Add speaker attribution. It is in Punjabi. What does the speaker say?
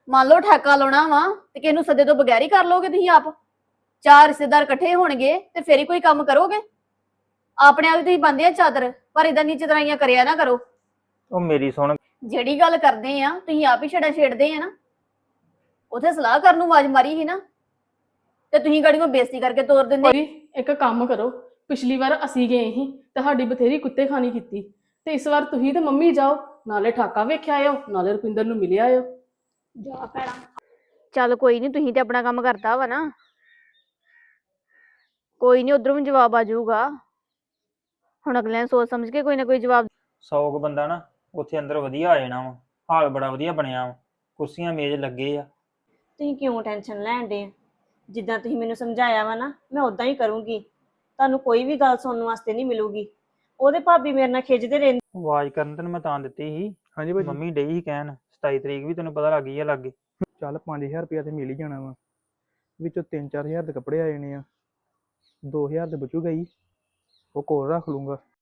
Speaker 1: ਮੰਨ ਲਓ ਠੇਕਾ ਲਾਉਣਾ ਵਾ ਤੇ ਕਿਸੇ ਨੂੰ ਸੱਦੇ ਤੋਂ ਬਗੈਰ ਹੀ ਕਰ ਲੋਗੇ ਤੁਸੀਂ ਆਪ। ਚਾਰ ਰਿਸ਼ਤੇਦਾਰ ਇਕੱਠੇ ਹੋਣਗੇ ਤੇ ਫੇਰ ਹੀ ਕੋਈ ਕੰਮ ਕਰੋਗੇ। ਆਪਣੇ ਆਪ ਹੀ ਤੁਸੀਂ ਬੰਦੇ ਆ ਚਾਦਰ, ਪਰ ਇਦਾਂ ਨੀਚੇ ਤਰਾਈਆਂ ਕਰਿਆ ਨਾ ਕਰੋ।
Speaker 2: ਉਹ ਮੇਰੀ ਸੁਣ।
Speaker 1: ਜਿਹੜੀ ਗੱਲ ਕਰਦੇ ਆ ਤੁਸੀਂ ਆਪ ਹੀ ਛੜਾ ਛੇੜਦੇ ਆ ਨਾ। ਉਥੇ ਸਲਾਹ ਕਰਨ ਨੂੰ ਆਵਾਜ਼ ਮਾਰੀ ਸੀ ਨਾ ਤੇ ਤੁਸੀਂ ਗਾੜੀ ਨੂੰ ਬੇਇੱਜ਼ਤੀ ਕਰਕੇ ਤੋਰ ਦਿੰਦੇ।
Speaker 3: ਭਾਜੀ ਇੱਕ ਕੰਮ ਕਰੋ, ਪਿਛਲੀ ਵਾਰ ਅਸੀਂ ਗਏ ਸੀ ਤੇ ਸਾਡੀ ਬਥੇਰੀ ਕੁੱਤੇ ਖਾਣੀ ਕੀਤੀ, ਤੇ ਇਸ ਵਾਰ ਤੁਸੀਂ ਤੇ ਮੰਮੀ ਜਾਓ, ਨਾਲੇ ਠਾਕਾ ਵੇਖਿਆ ਆਇਓ ਨਾਲੇ ਰੁਪਿੰਦਰ ਨੂੰ ਮਿਲਿਆ ਆਇਓ।
Speaker 1: ਜਾ ਭੈਣਾ। ਚੱਲ ਕੋਈ ਨਹੀਂ, ਤੁਸੀਂ ਤੇ ਆਪਣਾ ਕੰਮ ਕਰਤਾ ਵਾ ਨਾ, ਕੋਈ ਨਹੀਂ ਉਧਰੋਂ ਵੀ ਜਵਾਬ ਆ ਜਾਊਗਾ। ਹੁਣ ਅਗਲੇ ਨੇ ਸੋਚ ਸਮਝ ਕੇ ਕੋਈ ਨਾ ਕੋਈ ਜਵਾਬ।
Speaker 2: 100 ਕੁ ਬੰਦਾ ਨਾ ਉੱਥੇ ਅੰਦਰ ਵਧੀਆ ਆ ਜਾਣਾ ਵਾ। ਹਾਲ ਬੜਾ ਵਧੀਆ ਬਣਿਆ ਵਾ, ਕੁਰਸੀਆਂ ਮੇਜ਼ ਲੱਗੇ ਆ।
Speaker 4: ਤੁਸੀਂ ਕਿਉਂ ਟੈਨਸ਼ਨ ਲੈਣ ਡੇ? ਜਿੱਦਾਂ ਤੁਸੀਂ ਮੈਨੂੰ ਸਮਝਾਇਆ ਵਾ ਨਾ, ਮੈਂ ਉਦਾਂ ਹੀ ਕਰੂੰਗੀ। ਤੁਹਾਨੂੰ ਕੋਈ ਵੀ ਗੱਲ ਸੁਣਨ ਵਾਸਤੇ ਨਹੀਂ ਮਿਲੂਗੀ। ਉਹਦੇ ਭਾਬੀ ਮੇਰੇ ਨਾਲ ਖਿੱਚਦੇ ਰਹਿੰਦੇ।
Speaker 2: ਆਵਾਜ਼ ਕਰਨ ਤੈਨੂੰ ਮੈਂ ਤਾਂ ਦਿੱਤੀ ਸੀ।
Speaker 5: ਹਾਂਜੀ ਭਾਜੀ।
Speaker 2: ਮੰਮੀ ਡਈ ਸੀ ਕਹਿਣ 27 ਤਰੀਕ ਵੀ ਤੈਨੂੰ ਪਤਾ ਲੱਗ ਗਈ ਆ ਲਾਗੇ।
Speaker 5: ਚੱਲ 5000 ਰੁਪਇਆ ਤੇ ਮਿਲ ਹੀ ਜਾਣਾ ਵਾ, ਵਿੱਚੋਂ 3-4000 ਦੇ ਕੱਪੜੇ ਆ ਜਾਣੇ ਆ, 2000 ਤੇ ਬਚੂਗਾ ਹੀ, ਉਹ ਕੋਲ ਰੱਖ ਲੂੰਗਾ।